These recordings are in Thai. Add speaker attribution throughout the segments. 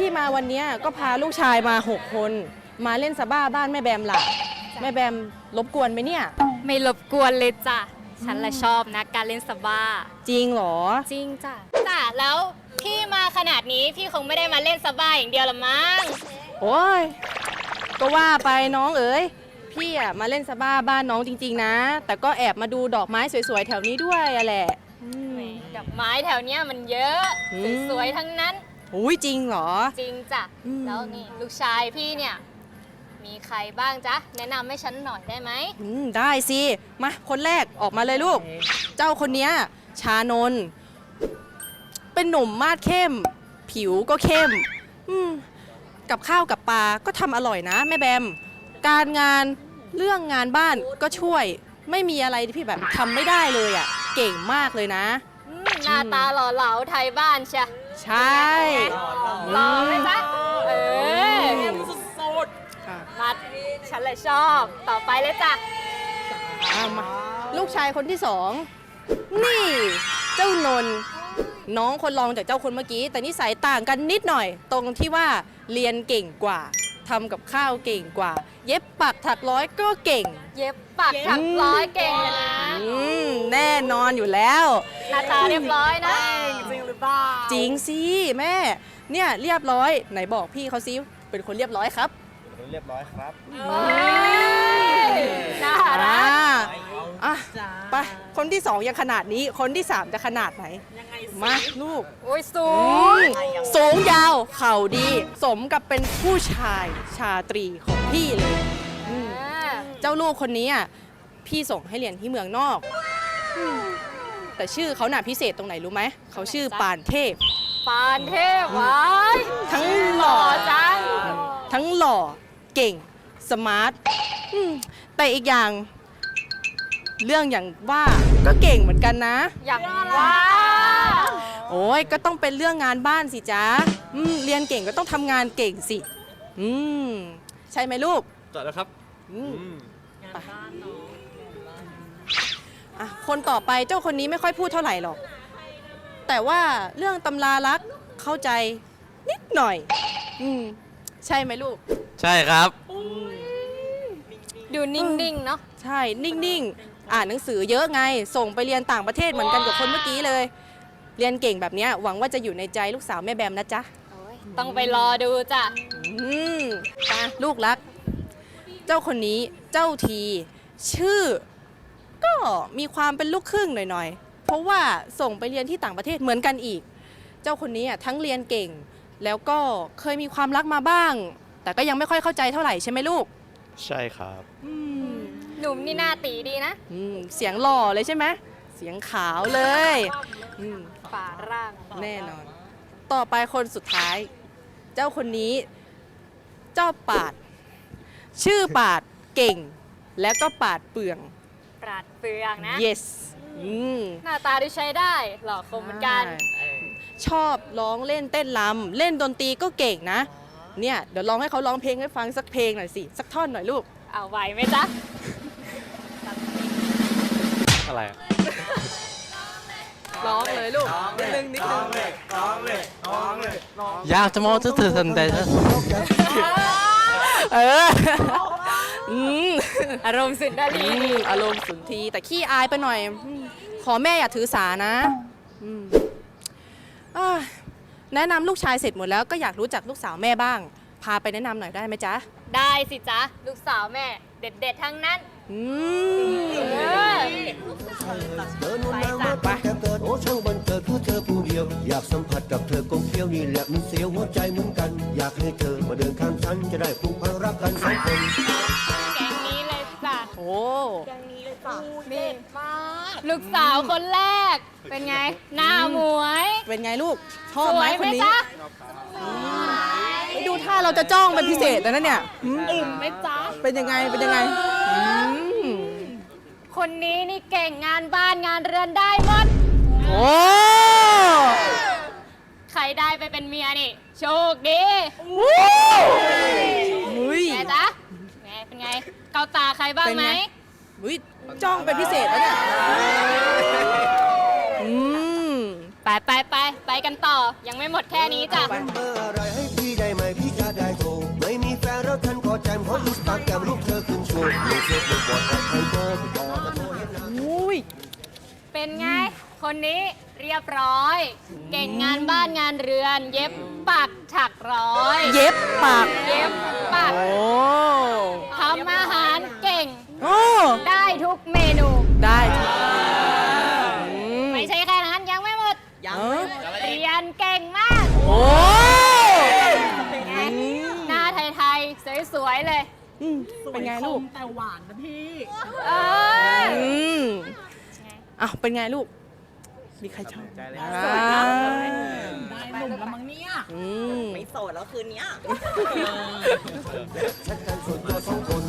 Speaker 1: มาวันนี้ก็พาลูกชายมา6 คนมาเล่นซาบ้าบ้านแม่แบมล่ะแม่แบมรบกวนไหมเนี่ย
Speaker 2: ไม่รบกวนเลยจ้ะฉันละชอบนะการเล่นซาบ้า
Speaker 1: จริงเหรอ
Speaker 2: จริงจ้ะแล้วพี่มาขนาดนี้พี่คงไม่ได้มาเล่นซาบ้าอย่างเดียวละมั้ง
Speaker 1: โอ้ยก็ว่าไปน้องเอ๋ยพี่อะมาเล่นซาบ้าบ้านน้องจริงๆนะแต่ก็แอบมาดูดอกไม้สวยๆแถวนี้ด้วยอะแหละ
Speaker 2: ดอกไม้แถวเนี้ยมันเยอะสวยๆทั้งนั้น
Speaker 1: อุ้ยจริงเหรอ
Speaker 2: จริงจ้ะแล้วนี่ลูกชายพี่เนี่ยมีใครบ้างจ๊ะแนะนำให้ฉันหน่อยได้ไหม
Speaker 1: ได้สิมาคนแรกออกมาเลยลูกเจ้าคนเนี้ยชานนท์เป็นหนุ่มมาดเข้มผิวก็เข้มกับข้าวกับปลาก็ทำอร่อยนะแม่แบมการงานเรื่องงานบ้านก็ช่วยไม่มีอะไรที่พี่แบบทำไม่ได้เลยอ่ะเก่งมากเลยนะ
Speaker 2: หน้าตาหล่อเหลาไทยบ้านใช่
Speaker 1: ใช่
Speaker 2: หล่อไหมจ๊ะสุดๆมาฉันเลยชอบต่อไปเลยจ้ะ
Speaker 1: มาลูกชายคนที่2นี่เจ้านนท์น้องคนรองจากเจ้าคนเมื่อกี้แต่นิสัยต่างกันนิดหน่อยตรงที่ว่าเรียนเก่งกว่าทำกับข้าวเก่งกว่าเย็บปักถักร้อยก็เก่ง
Speaker 2: เย็บปักถักร้อยเก่งเลยนะ
Speaker 1: แน่นอนอยู่แล้ว
Speaker 2: หน้าตาเรียบร้อยนะ
Speaker 1: จริงหรือเปล่าจริงสิแม่เนี่ยเรียบร้อยไหนบอกพี่เขาซิเป็นคนเรียบร้อยครับ
Speaker 3: เรียบร้อยครับ
Speaker 2: น่ารัก
Speaker 1: ไปคนที่2ยังขนาดนี้คนที่3จะขนาดไหนมาลูก
Speaker 2: โอ้ยสู
Speaker 1: งยาวเข่าดีสมกับเป็นผู้ชายชาตรีของพี่เลยเจ้าลูกคนนี้พี่ส่งให้เรียนที่เมืองนอกแต่ชื่อเขาน่ะพิเศษตรงไหนรู้ไหมเขาชื่อปานเทพ
Speaker 2: วาย
Speaker 1: ทั้งหล่อ
Speaker 2: จัง
Speaker 1: ทั้งหล่อเก่งสมาร์ทแต่อีกอย่างเรื่องอย่างว่าก็เก่งเหมือนกันนะ
Speaker 2: อย่างว่า
Speaker 1: โอ้ยก็ต้องเป็นเรื่องงานบ้านสิจ๊ะเรียนเก่งก็ต้องทำงานเก่งสิใช่ไหมลูก
Speaker 3: จอดแล้วครับ
Speaker 1: งานบ้านเนาะคนต่อไปเจ้าคนนี้ไม่ค่อยพูดเท่าไหร่หรอกแต่ว่าเรื่องตำรารักเข้าใจนิดหน่อยใช่ไหมลูก
Speaker 3: ใช่ครับ
Speaker 2: ดูนิ่งๆเนาะ
Speaker 1: ใช่นิ่งๆอ่านหนังสือเยอะไงส่งไปเรียนต่างประเทศเหมือนกันกับคนเมื่อกี้เลยเรียนเก่งแบบนี้หวังว่าจะอยู่ในใจลูกสาวแม่แบมนะจ๊ะ
Speaker 2: ต้องไปรอดูจ้ะ
Speaker 1: ลูกรักเจ้าคนนี้เจ้าทีชื่อก็มีความเป็นลูกครึ่งหน่อยๆเพราะว่าส่งไปเรียนที่ต่างประเทศเหมือนกันอีกเจ้าคนนี้ทั้งเรียนเก่งแล้วก็เคยมีความรักมาบ้างแต่ก็ยังไม่ค่อยเข้าใจเท่าไหร่ใช่ไหมลูก
Speaker 3: ใช่ครับ
Speaker 2: หนุ่มนี่หน้าตีดีนะ
Speaker 1: เสียงหล่อเลยใช่ไหมเสียงขาวเลย
Speaker 2: ฝ่าร่าง
Speaker 1: แน่นอนต่อไปคนสุดท้ายเจ้าคนนี้เจ้าปาดชื่อปาดเก่งแล้วก็ปาดเปลือง
Speaker 2: นะ
Speaker 1: yes
Speaker 2: หน้าตาดูใช้ได้หล่อคมเหมือนกัน
Speaker 1: ชอบร้องเล่นเต้นรำเล่นดนตรีก็เก่งนะเนี่ยเดี๋ยวลองให้เขาร้องเพลงให้ฟังสักเพลงหน่อยสิสักท่อนหน่อยลูก
Speaker 2: เอาไหวไหมจ๊ะ
Speaker 3: อะไร
Speaker 1: ร้องเลยลูกนิดนึง
Speaker 3: อยากจะมองเธอทันใด
Speaker 2: อารมณ์สุนทรี
Speaker 1: อารมณ์สุนทรีแต่ขี้อายไปหน่อยขอแม่อย่าถือสานะแนะนำลูกชายเสร็จหมดแล้วก็อยากรู้จักลูกสาวแม่บ้างพาไปแนะนำหน่อยได้ไหมจ๊ะ
Speaker 2: ได้สิจ๊ะลูกสาวแม่เด็ดๆทั้งนั้น
Speaker 4: ไปโอ้ช่างบันเกิดเพื่อเธอผู้เดียวอยากสัมผัสกับเธอกลมเกลียวนี่แหละมันเสียวหัวใจเหมือนกันอยากให้เธอมาเดินข้างฉันจะได้ผูกพันรักกันสองคน
Speaker 2: แกงนี้เลยจ้ะ
Speaker 1: โอ้
Speaker 2: แกงนี้เลยจ้ะเด็ดมากลูกสาวคนแรกเป็นไงหน้าหมวย
Speaker 1: เป็นไงลูกชอบไหมคนนี้ดูท่าเราจะจ้องเป็นพิเศษแล้วนะเนี่ย
Speaker 2: ไหมจ๊ะ
Speaker 1: เป็นยังไง
Speaker 2: คนนี้นี่เก่งงานบ้านงานเรือนได้หมด
Speaker 1: โอ้
Speaker 2: ใครได้ไปเป็นเมียนี่โชคดีแม่จ๊ะแม่เป็นไงเกาตาใครบ้างไหม
Speaker 1: จ้องเป็นพิเศษแล้วเนี่ย
Speaker 2: ไปไปกันต่อยังไม่หมดแค่นี้จ้ะ
Speaker 4: เบอร์อะไรให้พี่ได้ไหมพี่จะได้โทรไม่มีแฟนแล้วท่านก็แจมขออินสตาแกรมรูปเธอขึ้นโชว์มีเฟซบุ๊กบอดแอดไทยเบอร์พี่ต่อจะโทรเห็นหน้า
Speaker 1: อุ้ย
Speaker 2: เป็นไง คนนี้เรียบร้อย เก่งงานบ้านงานเรือน เย็บปักถักร้อย
Speaker 1: เย็บปาก
Speaker 2: เย็บปัก
Speaker 1: โอ้
Speaker 2: ทำอาหารเก่ง
Speaker 1: โอ้
Speaker 2: ได้ทุกเมนู
Speaker 1: ได้ทุกอืม
Speaker 2: ไม่ใช่แค่นั้นยังไม่หมด
Speaker 1: เออ
Speaker 2: เรียนเก่งมาก
Speaker 1: โอ้
Speaker 2: ไงหน้าไทยๆ สวยๆ เลย
Speaker 1: อืมเป็นไงลูก
Speaker 5: แต่หวานนะพี่
Speaker 2: เออ
Speaker 1: อืม
Speaker 2: ไง
Speaker 1: อ้าวเป็นไงลูก มีใครชอบ
Speaker 5: ได้หนุ่มแล้วมั้งเนี่ย
Speaker 1: อืม
Speaker 5: ไม่โสดแล้วคืนเนี้ย
Speaker 4: แชทกันส่วนตัวสองคน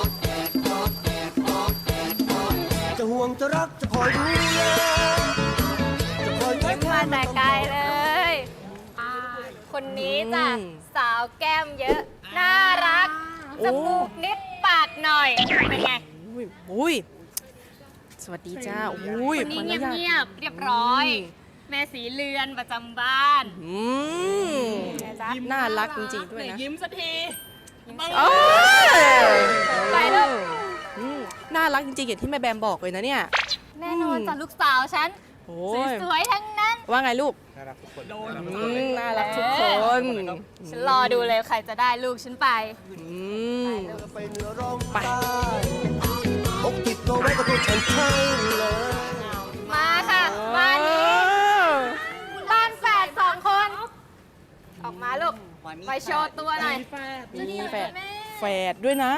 Speaker 4: จะห่วงจะรักจะคอยดูแลจะคอย
Speaker 2: ยิ้มมาแต่ไกลเลย คนนี้จ้ะ สาวแก้มเยอะ น่ารัก จมูกนิดปากหน่อย เป็นไง
Speaker 1: อุ้ยอุ้ยสวัสดีจ้าอุ้ย
Speaker 2: คนนี้
Speaker 1: ขออญาต
Speaker 2: เงียบๆ เรียบร้อย แม่สีเรือนประจำบ้าน
Speaker 1: อืมน่ารักจริงๆด้วยนะ
Speaker 5: ยิ้มสักที
Speaker 1: โอ้ย
Speaker 2: ไปลูก
Speaker 1: อืมน่ารักจริงๆอย่างที่แม่แบมบอกเลยนะเนี่ย
Speaker 2: แน่นอนจ้ะลูกสาวฉัน
Speaker 1: โอ้ย
Speaker 2: สวยๆ ทั้งนั้น
Speaker 1: ว่าไงลูก
Speaker 5: โดน
Speaker 1: น่ารักทุกคน
Speaker 2: ฉันรอดูเลยใครจะได้ลูกฉันไป
Speaker 1: อืม
Speaker 4: ไปเหนือร้องใต้พกติดตัวไว้กับตัวฉันใช่เลย
Speaker 2: มาค่ะบ้านนี้ บ้านแฝดสองคน ออกมาลูก ไปโชว์ตัวหน่อย
Speaker 1: มีแฝดด้วยนะ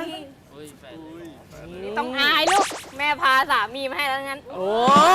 Speaker 2: ต้องอายลูก แม่พาสามีมาให้แล้วงั้น
Speaker 1: โอ้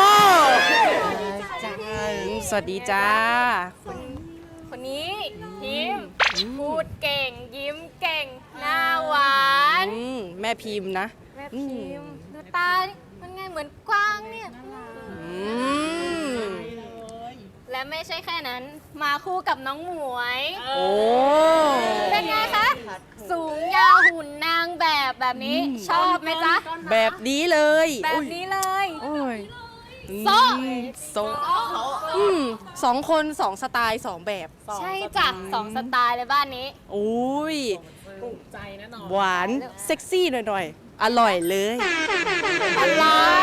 Speaker 1: สวัสดีจ้า
Speaker 2: คนนี้พิมพ์พูดเก่ง ยิ้มเก่ง หน้าหวาน
Speaker 1: แม่พิมพ์นะ
Speaker 2: แม่พิมพ์ดูตาดิมันไงเหมือนกวางเนี่ย
Speaker 1: อืม
Speaker 2: และไม่ใช่แค่นั้น มาคู่กับน้องหมวย
Speaker 1: โอ้
Speaker 2: เป็นไงคะ สูงยาวหุ่นนางแบบนี้ ชอบไหมจ๊ะ
Speaker 1: แบบนี้เลย
Speaker 2: แบบนี้เลย
Speaker 1: โอ้ย
Speaker 2: โซ่
Speaker 1: โซ่สองคนสองสไตล์สองแบบ
Speaker 2: ใช่จ้ะสองสไตล์เลยบ้านนี้
Speaker 1: อุ้ย
Speaker 5: ถูกใจแน่นอน
Speaker 1: หวานเซ็กซี่หน่อยๆ อร่อยเลย
Speaker 2: อะไร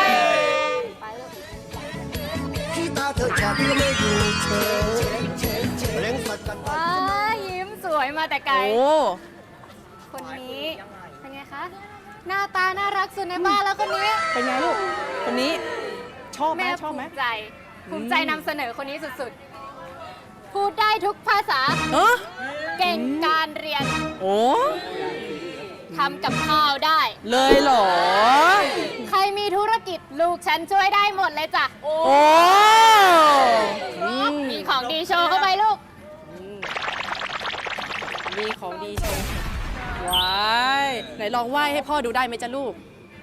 Speaker 4: ที่ตาเธอแฉะที่ไม่อยู่เฉยเร่งสัตว์กัน
Speaker 2: ว้ายิ้มสวยมาแต่ไกล
Speaker 1: โอ้
Speaker 2: คนนี้ เป็นไงคะ หน้าตาน่ารักสุดในบ้านแล้วคนนี้
Speaker 1: เป็นไงลูก คนนี้ชอบไหม
Speaker 2: แม่
Speaker 1: ชอบไหม
Speaker 2: ภูมิใจนำเสนอคนนี้สุดๆ พูดได้ทุกภาษา
Speaker 1: เออ
Speaker 2: เก่งการเรียน
Speaker 1: โอ้
Speaker 2: ทำกับข้าวได้
Speaker 1: เลยเหรอ
Speaker 2: ใครมีธุรกิจลูกฉันช่วยได้หมดเลยจ้ะ
Speaker 1: โอ้อืม
Speaker 2: มีของดีโชว์เข้าไปลูก
Speaker 1: มีของดีโชว์ว้ายไหนลองไหว้ให้พ่อดูได้ไหมจ๊ะลูก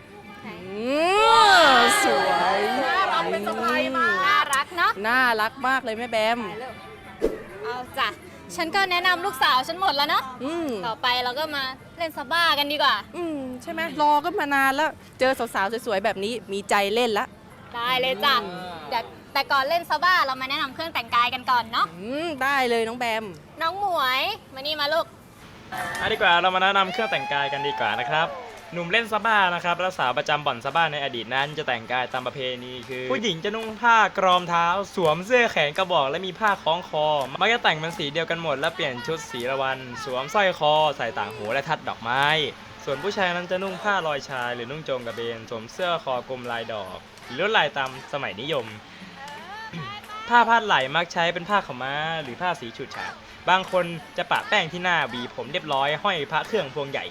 Speaker 1: สวย
Speaker 2: น่ารักเป็นสะพายมากน่ารักเนาะ
Speaker 1: น่ารักมากเลยแม่แบม
Speaker 2: เอาจ้ะ ฉันก็แนะนำลูกสาวฉันหมดแล้วเนาะ
Speaker 1: อืม
Speaker 2: ต่อไปเราก็มาเล่นซาบ้ากันดีกว่า
Speaker 1: ใช่ไหมรอก็มานานแล้ว เจอสาวๆสวยๆแบบนี้มีใจเล่นละ
Speaker 2: ได้เลยจ้ะเดี๋ยวแต่ก่อนเล่นซาบ้าเรามาแนะนำเครื่องแต่งกายกันก่อนเนาะ
Speaker 1: ได้เลยน้องแบม
Speaker 2: น้องหมวย มานี่มาลูก
Speaker 6: ดีกว่าเรามาแนะนำเครื่องแต่งกายกันดีกว่านะครับหนุ่มเล่นซาบ้านะครับและสาวประจำบ่อนซาบ้าในอดีตนั้นจะแต่งกายตามประเพณีคือ ผู้หญิงจะนุ่งผ้ากรอมเท้า สวมเสื้อแขนกระบอกและมีผ้าคล้องคอมักจะแต่งเป็นสีเดียวกันหมดและเปลี่ยนชุดสีละวันสวมสร้อยคอใส่ต่างหูและทัดดอกไม้ ส่วนผู้ชายนั้นจะนุ่งผ้าลอยชายหรือนุ่งโจงกระเบนสวมเสื้อคอกลมลายดอกหรือลวดลายตามสมัยนิยม ผ้าพาดไหล่มักใช้เป็นผ้าขาวม้าหรือผ้าสีฉูดฉาดบางคนจะปะแป้งที่หน้าหวีผมเรียบร้อยห้อยพระเครื่องพวงใหญ่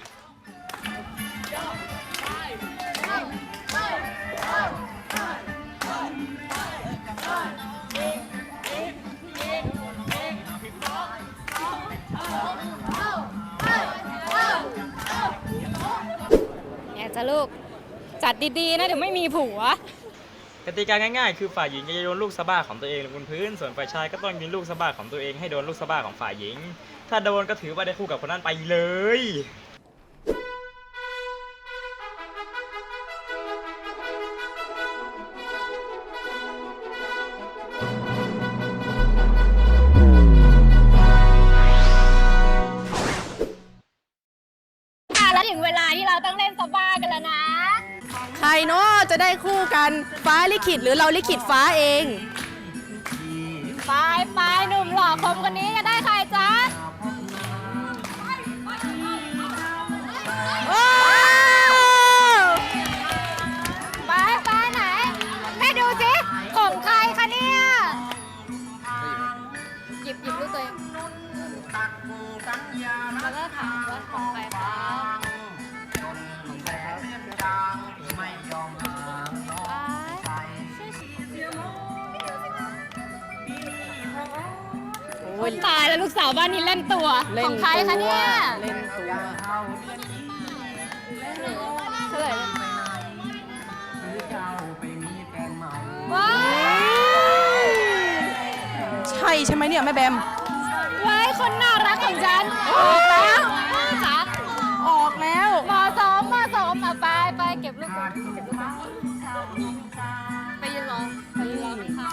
Speaker 2: เนี่ยจ้ะลูก จัดดีๆนะเดี๋ยวไม่มีผัว
Speaker 6: กติกาง่ายๆคือฝ่ายหญิงจะโยนลูกสะบ้าของตัวเองลงบนพื้นส่วนฝ่ายชายก็ต้องยิงลูกสะบ้าของตัวเองให้โดนลูกสะบ้าของฝ่ายหญิง ถ้าโดนก็ถือว่าได้คู่กับคนนั้นไปเลย
Speaker 1: เนาะจะได้คู่กันฟ้าลิขิตหรือเราลิขิตฟ้าเอง
Speaker 2: ไปหนุ่มหล่อคมคนนี้จะได้ใครจ๊ะ
Speaker 1: ว้าว
Speaker 2: ไปไหนแม่ดูสิของใครคะเนี่ยหยิบลูกตัวเองแล้วก็ถามว่าของใครครับโอ้ยตายแล้วลูกสาวบ้านนี้เล่นตัวของใครคะเนี่ย
Speaker 1: เล่นตัว
Speaker 2: เฉลยเลยว้าว
Speaker 1: ใช่ไหมเนี่ยแม่แบม
Speaker 2: ว้ายคนน่ารักของฉันออกแล้วจ๋า
Speaker 1: ออกแล้ว
Speaker 2: มสองมาไปเก็บลูกก่อนไปยืนรอค่ะ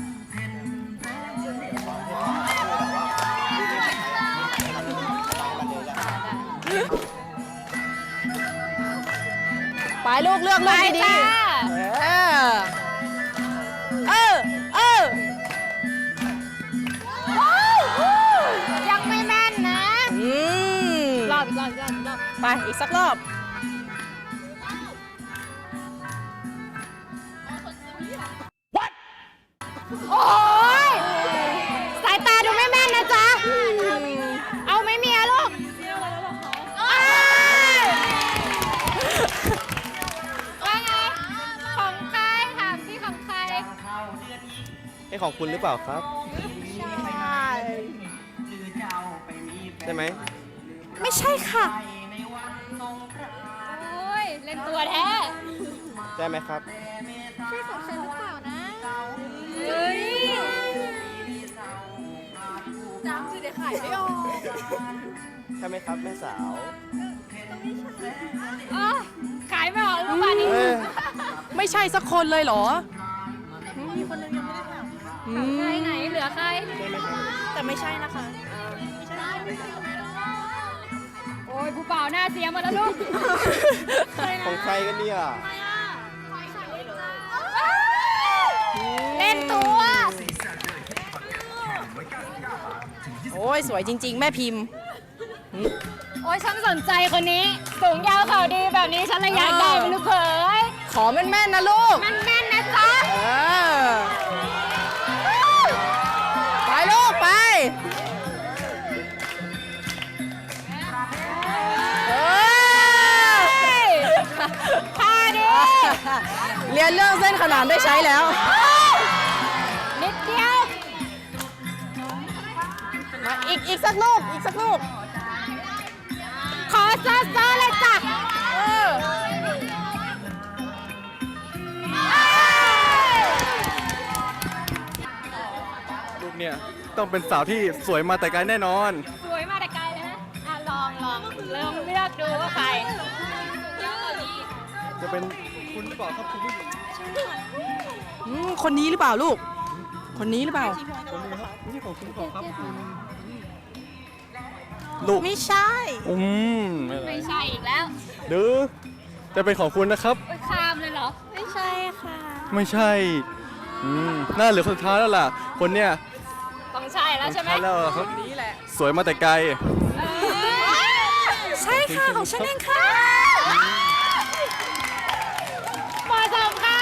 Speaker 1: ไปลูกเลือก
Speaker 2: ไป
Speaker 1: ลูกดี
Speaker 2: จ้า
Speaker 1: ๆเออ
Speaker 2: ยังไม่แม่นนะ
Speaker 1: อืม
Speaker 2: รอบ
Speaker 1: ไปอีกสักรอบ
Speaker 2: โอ้ยสายตาดูไม่แม่นนะจ๊ะ เอาไหม่เมียลูกอ้ายว่าไงของใครถามสิของใคร
Speaker 3: ให้ของคุณหรือเปล่าครับ ใช่ไหม
Speaker 1: ไม่ใช่ค่ะ
Speaker 2: โอ้ยเล่นตัวแท้
Speaker 3: ใช่ไหมครับ
Speaker 2: ใช่ของฉันหรือเปล่านะเฮ้ยจำชื่อเด็กขายไม่ออก
Speaker 3: ใช่ไหมครับแม่สาว
Speaker 2: อ๋อขายไม่ออกลูกบ้านนี้
Speaker 3: เอ้ย
Speaker 1: ไม่ใช่สักคนเลยเหรอ
Speaker 2: ใครไหนเหลือใคร
Speaker 1: แต่ไม่ใช่นะคะ
Speaker 2: โอ้ยผู้เป่าหน้าเสียหมดแล้วลูก
Speaker 3: ของใครกันเนี่ย
Speaker 2: เล่นตัว
Speaker 1: โอ้ยสวยจริง ๆ แม่พิมพ์
Speaker 2: โอ้ยฉันสนใจคนนี้ สูงยาวเขาดีแบบนี้ฉันเลยอยากได้เป็นลูกเขย
Speaker 1: ขอแม่นๆนะลูก
Speaker 2: มันแม่นนะจ๊ะ
Speaker 1: เออ ไปลูกไปเออ
Speaker 2: ท่าดิ
Speaker 1: เรียนเรื่องเส้นขนานได้ใช้แล้ว
Speaker 2: นิดเดียว
Speaker 1: มาอีกสักลูก อีกสักลูก
Speaker 2: ขอเซอร์เลยจ้ะ
Speaker 1: เออ
Speaker 7: ลูกเนี่ยต้องเป็นสาวที่สวยมาแต่ไกลแน่นอน
Speaker 2: สวยมาแต่ไกลเลยนะอ่ะลองเลือกดูว่าใคร
Speaker 7: จะเป็นคุณหรือเปล่าครับคุณผู้หญิง
Speaker 1: คนนี้หรือเปล่าลูก คนนี้หรือเปล่า
Speaker 7: คนนี้ครับไม่ใช่ของคุณหรือเปล่าครับคุณลูก
Speaker 1: ไม่ใช่
Speaker 2: ไม่ใช่อีกแล้ว
Speaker 7: หรือจะเป็นของคุณนะครับ
Speaker 2: ไปข้ามเลยเหรอ
Speaker 1: ไม่ใช่ค่ะ
Speaker 7: ไม่ใช่น่าเหลือคนสุดท้ายแล้วล่ะ คนเนี้ย
Speaker 2: ต้องใช่แล้วใช่ไหม
Speaker 7: ใช่แล้วครับ
Speaker 1: นี้แหละ
Speaker 7: สวยมาแต่ไกล
Speaker 1: ใช่ค่ะ ของฉันเองค่ะ
Speaker 2: เหมาะสมค่ะ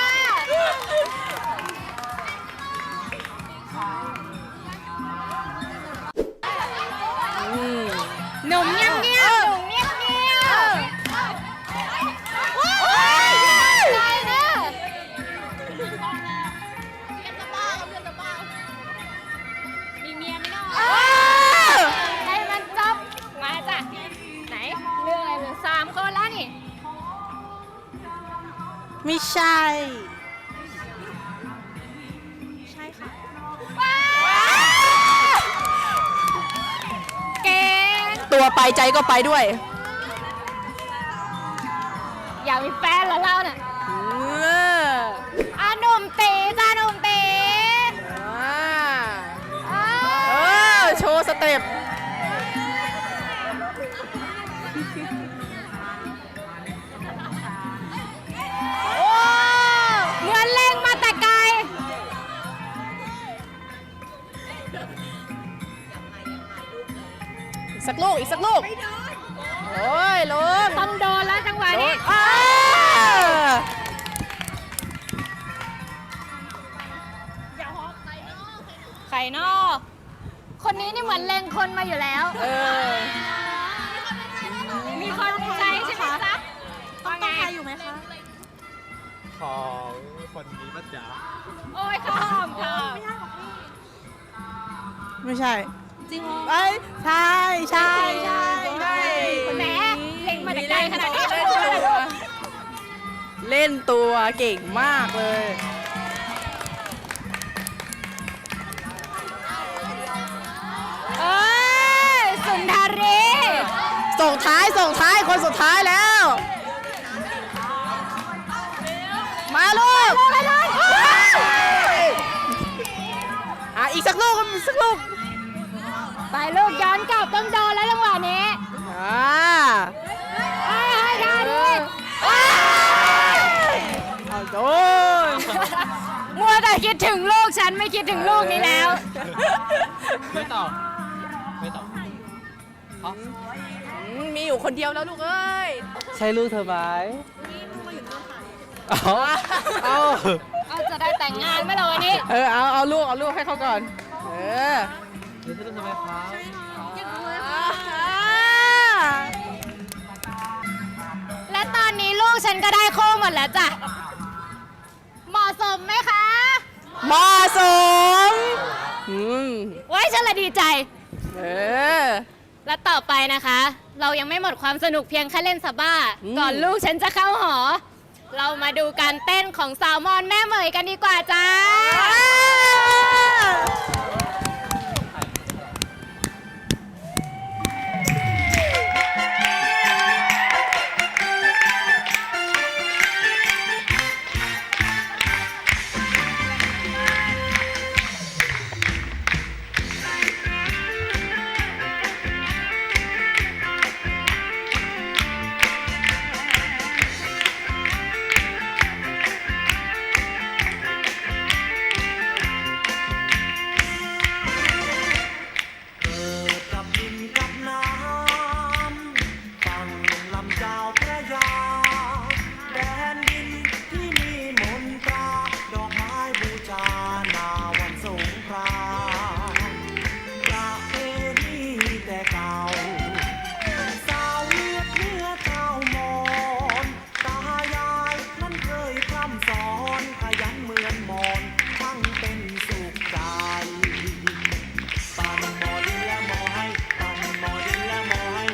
Speaker 2: หนุ่มเงียบๆหนุ่มเงียบๆใจนะมีเมียไหมเนาะให้มันจบมาจ้ะไหนเรื่องอะไรเหลือ3 คนแล้วนี่
Speaker 1: ไม่ใช่
Speaker 2: เก่ง
Speaker 1: ตัวไปใจก็ไปด้วย
Speaker 2: อยากมีแฟนแล้วเราน่ะ
Speaker 1: เออ
Speaker 2: อ่ะหนุ่มตีจ้าหนุ่มตี
Speaker 1: เออ โชว์สเต็ป โอ้ลูกอีกสักลูกโอ้ยลุง
Speaker 2: ต้องโดนแล้วจังหวะนี้
Speaker 1: อ้า
Speaker 2: ไข่นอกคนนี้นี่เหมือนเล็งคนมาอยู่แล้ว มีคนใจใช่ไหมจ๊ะต้องใครอยู่ไหมคะ
Speaker 3: ของคนนี้ป้าจ๋า
Speaker 2: โอ้ยข้าวหอมค่ะ
Speaker 1: ไม่ใช่จริงเหรอใช่ใช่ใช่ใช่
Speaker 2: แหมเล็งมาแต่ไกลขนาดนี้
Speaker 1: เล่นตัวเก่งมากเลย
Speaker 2: เอ้ยสุนทรี
Speaker 1: ส่งท้ายคนสุดท้ายแล้ว มาลูกอีกสักลูกอีกสักลูก
Speaker 2: ไปลูกย้อนกลับต้องโดนแล้วจังหวะนี้ให้ดาดิ
Speaker 1: เอาโดน
Speaker 2: มัวแต่คิดถึงลูกฉันไม่คิดถึงลูกนี้แล้ว
Speaker 6: ไม่ต่อ
Speaker 1: มีอยู่คนเดียวแล้วลูกเอ้ย
Speaker 3: ใช่ลูกเธอไหม
Speaker 2: เอาจะได้แต่งงานไหมล่ะวันนี้
Speaker 1: เอาลูกให้เขาก่อน
Speaker 2: และตอนนี้ลูกฉันก็ได้คู่หมดแล้วจ้ะ เหมาะสมไหมคะ
Speaker 1: เหมาะสม
Speaker 2: ไว้ฉันละดีใจ
Speaker 1: เออ
Speaker 2: และต่อไปนะคะ เรายังไม่หมดความสนุกเพียงแค่เล่นซาบ้า
Speaker 1: อืม
Speaker 2: ก่อนลูกฉันจะเข้าหอ เรามาดูการเต้นของสาวมอนแม่เหมยกันดีกว่าจ้า
Speaker 4: เกิดกับดินกับน้ำฝั่งลำเจ้าพระยาแดนดินที่มีมนตราดอกไม้บูชานาวันสงกรานต์ประเพณีแต่เก่าสาวเลือดเนื้อเจ้ามอนตายายนั้นเคยพร่ำสอนขยันเหมือนมอนช่างเป็นสุขใจ ปันหมอดินและหมอให้ปันหมอดินและหมอให้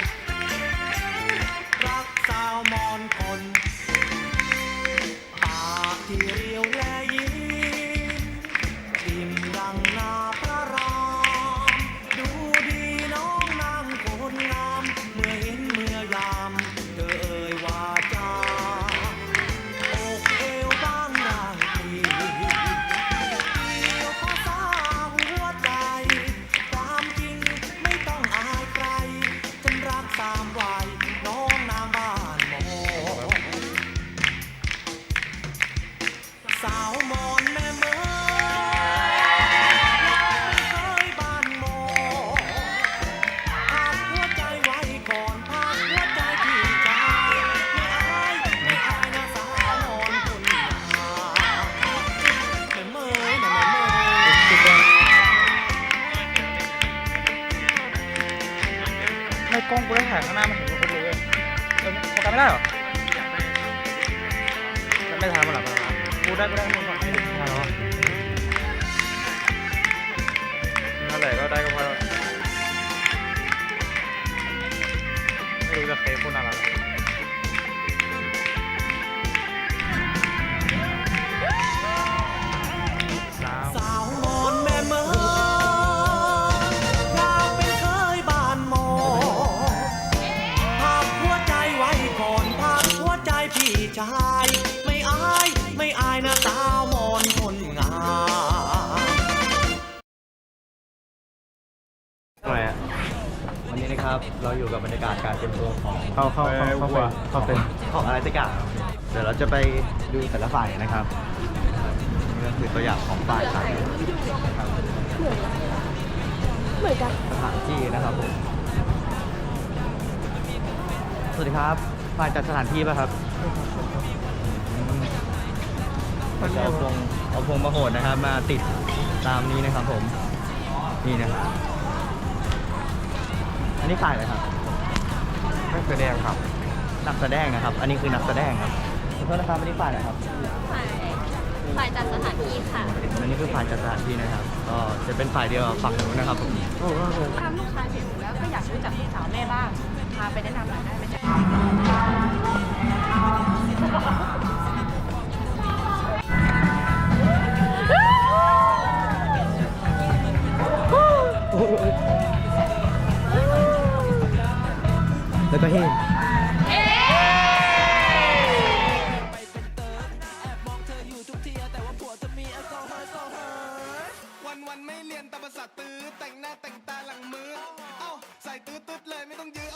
Speaker 4: รักสาวมอนคนปากที่เรียวและยิ้มอิ่มดังนาพระรามดูดีน้องนางคนงามเมื่อเห็นเมื่อยามเธอเอ่ยวาจาอกเอวบางได้ทีเดียวพอสาวหัวใจ ความจริงไม่ต้องอายใคร ฉันรักตามวัยน้องนางบ้านมอนสาวมอนแม่เมยเคยบ้านมอนพักหัวใจไว้ก่อนพักหัวใจที่ใจไม่อายนะสาวมอนคนงามแม่เมยนะแม่เมย
Speaker 6: ไม่กล้องกูได้ถ่ายข้างหน้ามันเห็นคนเลยโฟกัสไม่ได้เหรอไม่ทันมาหรอกูได้มึงก่อนไม่ทันหรอนั่นแหละก็ได้ก็พอไม่รู้จะเคยพูดอะไร
Speaker 4: สาวมอนแม่เมยอยากเป็นเคยบ้านหมอพักหัวใจไว้ก่อนพักหัวใจพี่ชายไม่อายนะสาวมอนคนงาม
Speaker 6: ทำไมอ่ะ
Speaker 3: วันนี้นะครับเราอยู่กับบรรยากาศการเตรียมตัวของ
Speaker 6: เข้าเป็น
Speaker 3: ของอะไรสักอย่างเดี๋ยวเราจะไปดูแต่ละฝ่ายนะครับนี่ก็คือตัวอย่างของฝ่ายต่างนะครับเหมือนกันสถานที่นะครับผมสวัสดีครับฝ่ายจัดสถานที่ป่ะครับจะเอาพวงมาโหดนะครับ มาติดตามนี้นะครับผม นี่นะครับ อันนี้ฝ่ายอะไรครับ
Speaker 7: นักแสดงครับ
Speaker 3: นักแสดงนะครับ อันนี้คือนักแสดงครับขอโทษนะครับ อันนี้ฝ่ายอะไรครับ
Speaker 2: ฝ่ายจัดสถานที่ค่ะ
Speaker 3: อันนี้คือฝ่ายจัดสถานที่นะครับ ก็จะเป็นฝ่ายเดียวกับฝั่งนู้นนะครับผม
Speaker 1: ตามลูกชายเห็นแล้วก็อยากรู้จักลูกสาวแม่บ้าง พาไปแนะนำหน่อยได้ไหมจ๊ะ
Speaker 3: แล้วก็เฮ้
Speaker 4: วันไม่เรียนแต่ภาษาตื้อแต่งหน้าแต่งตาหลังมือ เอ้าใส่ตื้อเลยไม่ต้องยืน